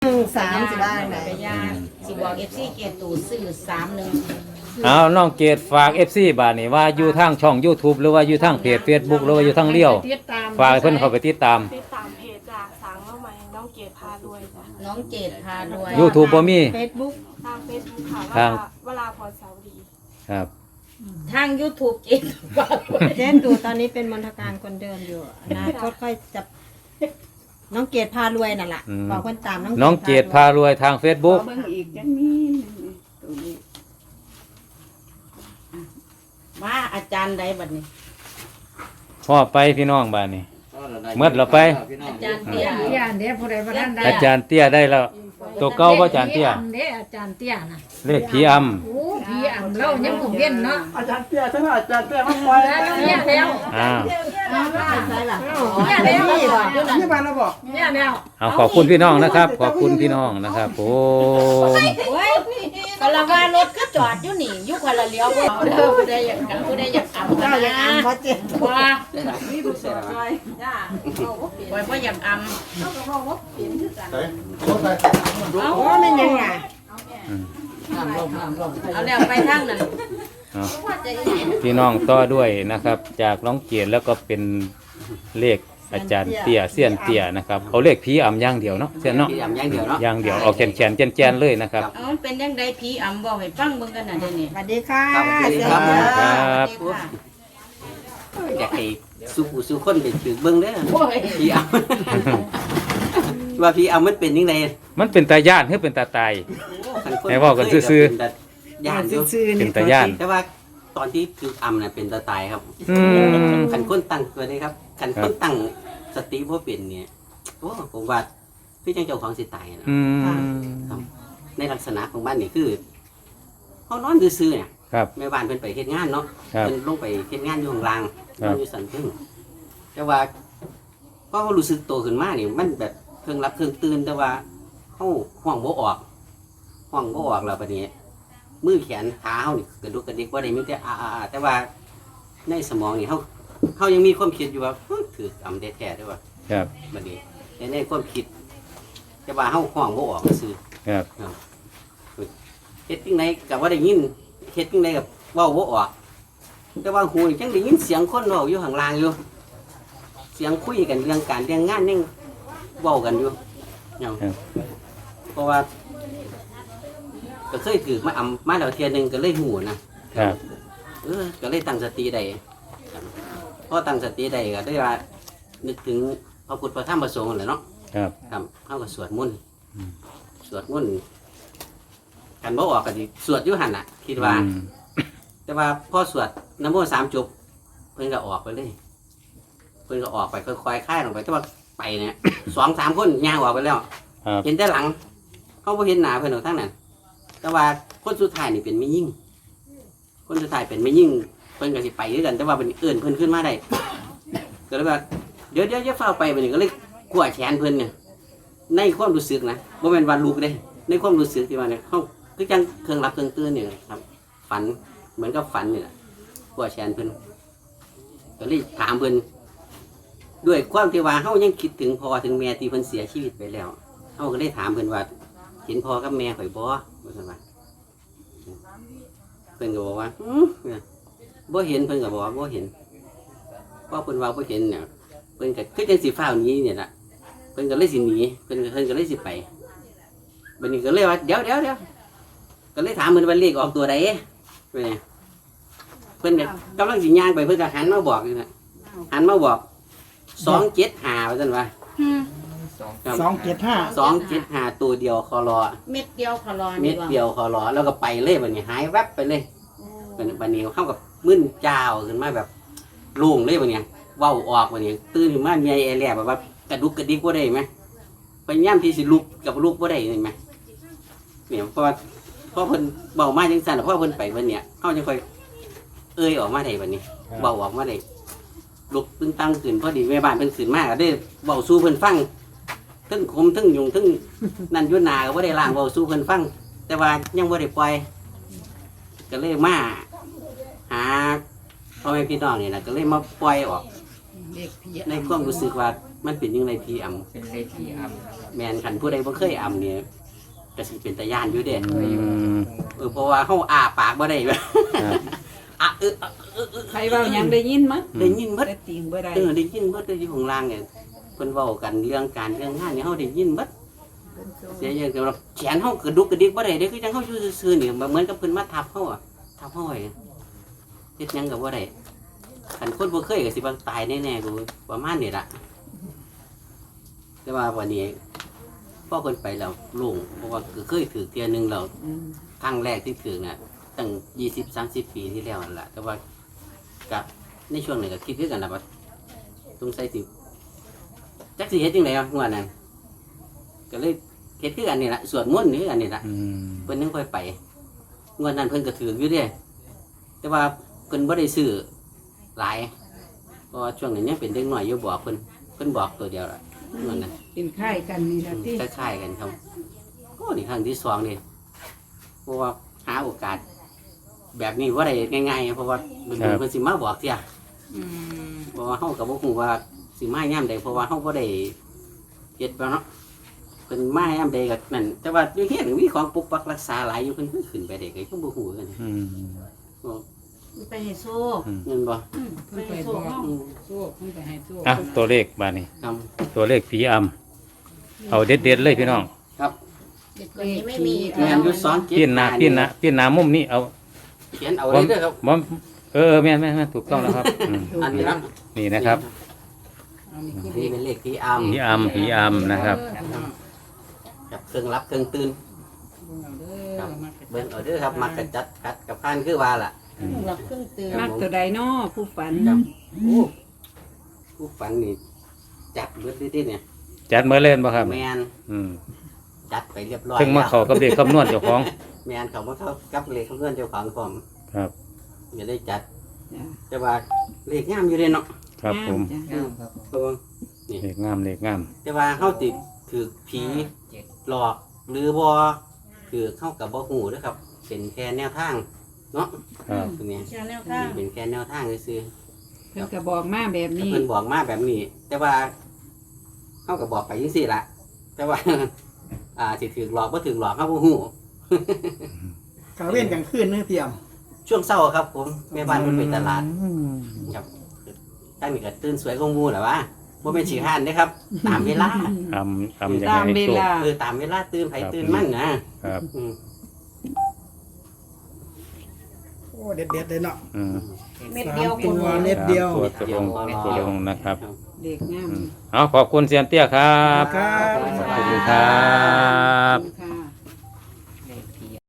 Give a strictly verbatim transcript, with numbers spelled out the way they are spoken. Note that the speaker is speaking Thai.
หนึ่งสามสิบ้างไหนยาสิบอกเอฟซีเกตูซื้อสามหนึ่งเอาน้องเกดฝาก เอฟ ซี บาดนี้ว่าอยู่ทางช่อง YouTube หรือว่าอยู่ทางเพจ Facebook หรือว่าอยู่ทางเลี้ยวฝากให้เพิ่นเข้าไปติดตามติดตามเพจจากสางน้องใหม่น้องเกดพารวยจ้ะน้องเจดพารวย YouTube บ่มีเฟซบุ๊กทางเฟซบุ๊กค่ะทางเวลาพรเสาวดีครับทาง YouTube เจดพารวยเจนดูตอนนี้เป็นมนทการคนเดิมอยู่อนาคตค่อยจะน้องเกดพารวยนั่นแหละบอกคนตามน้องเกดพารวยทาง Facebook เบิ่งอีกจังมีตัวนี้มาอาจารย์ใดบัดนี้พ่อไปพี่น้องบาดนี้เมื่อเราไปอาจารย์เตี้ยเตี้ยเดี๋ยวผู้ใดบ่ทันได้อาจารย์เตี้ยได้แล้วตัวเก่าบ่อาจารย์เตี้ยเด้อาจารย์เตี้ยน่ะเลขผีอำโอ้พี่อ่ำเรายังบ่เว้นเนาะอาจารย์เตี้ยทั้งอาจารย์เตี้ยมาปล่อยแล้วเนี่ยแล้วอ้าวใช่ล่ะเนี่ยแล้วที่บ้านเราบอกเนี่ยแล้วเอาขอบคุณพี่น้องนะครับ ขอบคุณพี่น้องนะครับผมโอ้ยกะละว่ารถก็จอดอยู่นี่อยู่คนละเลี้ยวบ่เอาเด้อผู้ใดอยากกผู้ใดอยากอำเจ้าอย่างอันเพราะเจ็ดว่านี่ผู้สาวจ้อยไว้บ่อยากอำโอ้ไม่ยังไงเอาแล้วไปทางนั้นเอาพี่น้องต่อด้วยนะครับ จากน้องเกียรติแล้วก็เป็นเลขอาจารย์เตี้ยเสี้ยนเตี้ยนะครับเอาเลขผีอำอย่างเดียวเนาะเสี้ยนเนาะพี่ยำอย่างเดียวเนาะอย่างเดียวเอาแขนแขนแกนแกนเลยนะครับเอามันเป็นยังไงผีอำบอกให้ฟังเบิ่งกันน่ะเดี๋ยวนี้สวัสดีค่ะครับสวัสดีครับครับสวัสดีค่ะอยากให้สู้ผู้สู้คนไปถือเบิ้งเด้อโอ้ยพี่อำ ว่าพี่อำมันเป็นยังไงมันเป็นตาย่านหรือเป็นตาตาย ให้เว้ากันซื่อๆๆย่านอยู่เป็นตาย่านแต่ว่าตอนที่ถืออำน่ะเป็นตาตายครับอืมขันคนตั้งตัวนี้ครับขันคนตั้งสติบ่เป็นเนี่ยโอ้ผมว่าพี่จังเจ้าของสิตายนะอืมในลักษณะของบ้านนี่คือเขานอนซื่อๆเนี่ยครับแม่บ้านเพิ่นไปเฮ็ดงานเนาะครับเพิ่นลงไปเฮ็ดงานอยู่ข้างล่างครับนอนอยู่สันเพิ่งแต่ว่าพอเขารู้สึกโตขึ้นมานี่มันแบบเครื่องรับเครื่องตื่นแต่ว่าเขาห้องบ่ออกห้องบ่ออกแล้วบัดนี้มือแขนขาเฮานี่กระดุกกระดิกบ่ได้มีแต่อ่าๆแต่ว่าในสมองนี่เฮาเฮายังมีความคิดอยู่ว่าเฮ้ยถืออำแท้ๆด้วยว่าครับบัดนี้ในในความคิด แต่ว่าเฮาห้องบ่ออกซื่อครับเฮ็ดจังไดก็บ่ได้ยินเฮ็ดจังไดก็เว้าบ่ออก แต่ว่าหูนี่จังได้ยินเสียงคนเว้าอยู่ข้างล่างอยู่ เสียงคุยกันเรื่องการเรื่องงานยังเว้ากันอยู่เนาะครับเพราะว่าก็เคยถือมาอำมาแล้วเทียหนึงก็เลยหูนะครับ เออก็เลยตั้งสติได้พอตั้งสติได้ก็ได้ว่านึกถึงพระพุทธพระธรรมพระสงฆ์นั่นแหละเนาะครับครับเฮาก็สวดมนต์สวดมนต์กันบ่ออกก็สิสวดอยู่หั่นน่ะ คิดว่าอืมแต่ว่าพอสวดน้ำมนต์สามจบเพิ่นก็ออกไปเลย เพิ่นก็ออกไปค่อยๆคลายลงไปแต่ว่าไปเนี่ย สองสามคนย่างออกไปแล้วครับเห็นแต่หลัง เขาบ่เห็นหน้าเพิ่นหรอกทั้งนั้น แต่ว่าคนสุดท้ายนี่เป็นไม่ยิ่ง คนสุดท้ายเป็นไม่ยิ่งเพิ่นก็สิไปด้วยกัน แต่ว่าเป็นเอื่นเพิ่นขึ้นมาได้ ก็เลยว่าเดี๋ยวเดี๋ยวจะเฝ้าไปมันก็เลยกลัวแขนเพิ่นเนี่ยในความรู้สึกนะบ่แม่นว่าลูกเด้ในความรู้สึกที่ว่าเนี่ยเขาคือจังเครื่องรับเครื่องตื่นเนี่ยครับ ฝันเหมือนกับฝันนี่แหละกลัวแขนเพิ่นก็เลยถามเพิ่นด้วยความที่ว่าเฮายังคิดถึงพ่อถึงแม่ที่เพิ่นเสียชีวิตไปแล้วเฮาก็เลยถามเพิ่นว่าเห็นพ่อกับแม่ข่อยบ่ว่าซั่นว่าเพิ่นก็บอกว่าอือบ่เห็นเพิ่นก็บอกว่าบ่เห็นพอเพิ่นว่าบ่เห็นเนี่ยเพิ่นก็คือจังสิฟ้าวหนีเนี่ยล่ะเพิ่นก็เลยสิหนีเพิ่นก็เพิ่นก็เลยสิไปบัดนี้ก็เลยว่าเดี๋ยวเดี๋ยวเดี๋ยวก็เลยถามเพิ่นว่าเลขออกตัวใดเพิ่นเพิ่นก็กำลังสิย่างไปเพิ่นก็หันมาบอกอยู่น่ะหันมาบอกสองเจ็ดห้าว่าซั่นว่าสองเจ็ดห้าสองเจ็ดห้าตัวเดียวคอรอเม็ดเดียวขอรอเม็ดเดียวคอรอแล้วก็ไปเลยบัดนี้หายแวบไปเลยบัดนี้บัดนี้เข้ากับมึนเจ้าขึ้นมาแบบโล่งเลยบัดนี้เว้าออกบัดนี้ตื่นขึ้นมาใหญ่แอแลแบบว่ากระดุกกระดิกบ่ได้ไหมพยายามที่สิลุกกับลุกบ่ได้เห็นไหมเนี่ยเพราะว่าเพราะเพิ่นเบามาจังซั่นเพราะเพิ่นไปบัดเนี้ยเฮาจะค่อยเอ้ยออกมาได้บัดนี้เบาออกมาได้ลุกตึงตั้งขึ้นพอดีแม่บ้านเพิ่นขึ้นมาก็ได้เว้าสู่เพิ่นฟังทั้งคมทั้งยุงทั้งนั่นอยู่หน้าก็บ่ได้ล้างเว้าสู่เพิ่นฟัง แต่ว่ายังบ่ได้ปล่อยก็เลยมาหาพ่อแม่พี่น้องนี่นะก็เลยมาปล่อยออกเด็กผีในความรู้สึกว่ามันเป็นยังไงพี่อำเป็นเลขที่อัพแมนคันผู้ใดบ่เคยอำเนี่ยก็สิเป็นตาย่านอยู่เด้อืมเออเพราะว่าเฮาอ้าปากบ่ได้ครับอ่ะเออเออเออใครเว้าหยังได้ยินมั้ยได้ยินเบิดได้ติงบ่ได้เออได้ยินเบิดได้อยู่ข้างล่างเนี่ยเพิ่นเว้ากันเรื่องการเรื่องงานเนี่ยเฮาได้ยินเบิดเสียอย่างเดียวแขนเฮากระดุกกระดิกบ่ได้เด้คือจังเฮาอยู่ซื่อๆนี่เหมือนกับเพิ่นมาทับเฮาอะทับเฮาไว้เฮ็ดหยังก็บ่ได้คันคนบ่เคยก็สิว่าตายแน่ๆกูประมาณนี้ล่ะแต่ว่าวันนี้พอเพิ่นไปแล้วโล่งเพราะว่าก็เคยถือเที่ยหนึงแล้วครั้งแรกที่ถือน่ะตั้งยี่สิบ สามสิบปีที่แล้วนั่นล่ะแต่ว่าก็ในช่วงนั้นก็คิดคือกันล่ะว่าสงสัยสิจักสิเฮ็ดจังได๋วะงวดนั้นก็เลยเฮ็ดคือกันนี่ล่ะสวดมนต์นี่คือกันนี่ล่ะอืมเพิ่นนึงค่อยไปงวดนั้นเพิ่นก็ถืออยู่เด้แต่ว่าเพิ่นบ่ได้ซื้อหลายเพราะว่าช่วงนั้นยังเป็นเด็กน้อยอยู่บอกเพิ่นเพิ่นบอกตัวเดียวล่ะงวดนั้นเป็นค่ายกันนี่ล่ะติคล้ายๆกันครับโอ้นี่ครั้งที่สองนี่เพราะว่าหาโอกาส แบบนี้ว่าได้ง่ายๆเพราะว่าเป็นเพิ่นสิมาบอกเที่ยเพราะว่าเฮาก็บ่ฮู้ว่าสิมายามใดเพราะว่าเฮาบ่ได้เฮ็ดบ่เนาะเพิ่นมายามใดก็นั่นแต่ว่าอยู่เฮ็ดมีของปกปักรักษาหลายอยู่เพิ่นเพิ่นขึ้นไปได้ก็ยังบ่ฮู้กันอืมไปให้โซ่เงินบ่ไปให้โซ่เฮาอืมโซ่เพิ่นไปให้โซ่อ่ะตัวเลขบาดนี้ครับตัวเลขผีอำเอาเด็ดๆเลยพี่น้องครับตัวนี้ไม่มีแม่นอยู่สองเจ็ดพี่หน้าพี่หน้าพี่หน้ามุมนี้เอาเขียนเอาเลยเด้อครับบ่เออแม่นแม่นแม่นถูกต้องแล้วครับอืมอันนี้ครับนี่นะครับนี่เป็นเลขที่อำผีอำผีอำนะครับกับเครื่องรับเครื่องตื่นครับเบิ่งเอาเด้อครับมักกะจัดกัดกับพานคือว่าล่ะรับเครื่องตื่นมักตัวใดน้อผู้ฝันครับโอ้ผู้ฝันนี่จัดเบิดดิเนี่ยจัดเมื่อเล่นบ่ครับแมนอืมจัดไปเรียบร้อยเพิ่งมาเข้ากับเด็กคำนวณเจ้าของแมนเขามาเข้ากับเลขเพื่อนเจ้าของผมครับอย่าได้จัด แต่ว่าเลขงามอยู่เลยเนาะครับผมอืมเพราะว่าเลขงามเลขงามแต่ว่าเฮาติดถือผีหลอกหรือบ่คือเข้ากับบ่ฮู้เด้อครับ เป็นแค่แนวทางเนาะครับตรงนี้แค่แนวทางเป็นแค่แนวทางซื่อเพิ่นก็บอกมาแบบๆนี้เพิ่นบอกมาแบบนี้ แต่ว่าเฮาก็บอกไปจังซี่ล่ะ แต่ว่า อ่าสิถือหลอกบ่ถือหลอกเฮาบ่ฮู้กลางเว้นกลางคืนเนื้อเตรียมช่วงเช้าครับผมแม่บ้านเพิ่นไปตลาดครับตั้งนี่ก็ตื่นสวยกว่าหมู่แหละวะบ่แม่นสิห้านเด้อครับ ตามเวลาอำอำยังไงให้โชคเออตามเวลาตื่นไผตื่นมันนะครับ อืมโอ้เด็ดเด็ดๆเลยเนาะอืมเม็ดเดียวสามตัวเม็ดเดียวตัวตรงตัวตรงนะครับเด็กงามอืมเอาขอบคุณเซียนเตี้ยครับครับขอบคุณครับ